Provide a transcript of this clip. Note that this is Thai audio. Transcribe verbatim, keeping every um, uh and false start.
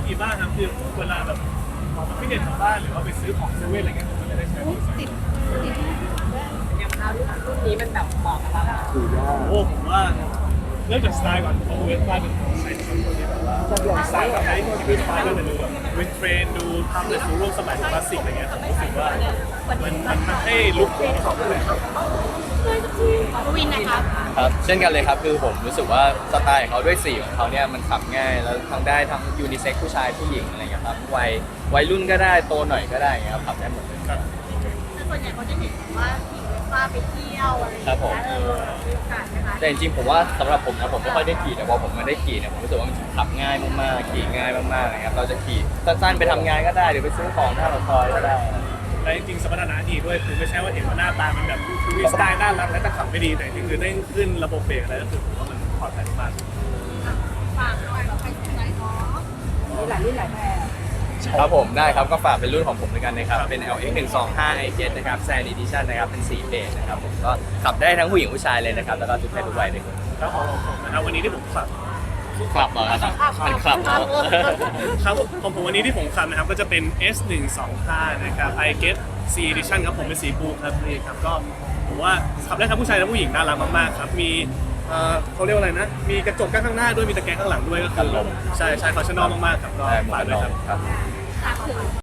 มีบ้างครับคือเวลาแบบไม่เด็ดของบ้านหรือว่าไปซื้อของเซเว่นอะไรเงี้ยผมก็จะได้ใช้มอเตอร์ไซค์ติดติดอย่างคราวที่รุ่นนี้มันแบบเหมาะกับเราถือยากโอ้ผมว่าเริ่มจากสไตล์ก่อนผมเวสป้าเป็นคนใส่คนที่แบบว่าดีไซน์แบบไหนที่เวสป้าก็จะดูแบบวินเทรนดูทำในสู่ร่วมสมัยคลาสสิกอะไรเงี้ยผมรู้สึกว่ามันมันมันให้ลุคของเขาเลยครับกวินนะครับครับเช่นกันเลยครับคือผมรู้สึกว่าสไตล์ของเขาด้วยสีของเขาเนี่ยมันขับง่ายแล้วทั้งได้ทั้งยูนิเซ็กผู้ชายผู้หญิงอะไรอย่างเงี้ยครับวัยวัยรุ่นก็ได้โตหน่อยก็ได้อย่างเงี้ยครับขับได้หมดเลยครับแต่ส่วนใหญ่เขาจะเห็นว่าหญิงเวสป้าไปเที่ยวอะไรอย่างครับผมเงี้ยเออมีโอกาสไหมคะแต่จริงๆผมว่าสำหรับผมนะผมไม่ค่อยได้ขี่แต่พอผมมาได้ขี่เนี่ยผมรู้สึกว่ามันขับง่ายมากๆขี่ง่ายมากๆนะครับเราจะขี่สั้นๆไปทำงานก็ได้หรือไปซื้อของหน้าปากซอยก็ได้และจริงๆสมรรถนะดีด้วยคือไม่ใช่ว่าเห็นว่าหน้าตามันแบบมีสไตล์น่ารักและแต่ขับไม่ดีแต่จริงๆคือได้ขึ้นระบบเบรกอะไรก็คือผมว่ามันปลอดภัยมากฝากหน่อยเราใครสนใจเนาะมีหลายรุ่นหลายแบบครับผมได้ครับก็ฝากเป็นรุ่นของผมด้วยกันนะครับเป็น แอล เอ็กซ์ หนึ่งสองห้า ไอ เจ็ด นะครับ Sand Edition นะครับเป็นสีเบจนะครับผมก็ขับได้ทั้งผู้หญิงผู้ชายเลยนะครับแล้วก็ทุกเพศทุกวัยเลยครับแล้วของผมนะครับวันนี้ที่ผมขับขับเหรอครับมันขับเหรอครับของผมวันนี้ที่ผมขับนะครับก็จะเป็น เอส หนึ่งสองห้า นะครับ I Get C Edition ครับผมเป็นสีบลูครับนี่ครับก็ผมว่าขับได้ทั้งผู้ชายและผู้หญิงน่ารักมากๆครับมีเอ่อเขาเรียกว่าอะไรนะมีกระจกข้างหน้าด้วยมีตะแกรงข้างหลังด้วยก็คือใช่ใช่คอชั่นอลมากๆครับก็ได้หมดฝากเลด้วยยครับครับฝากถึง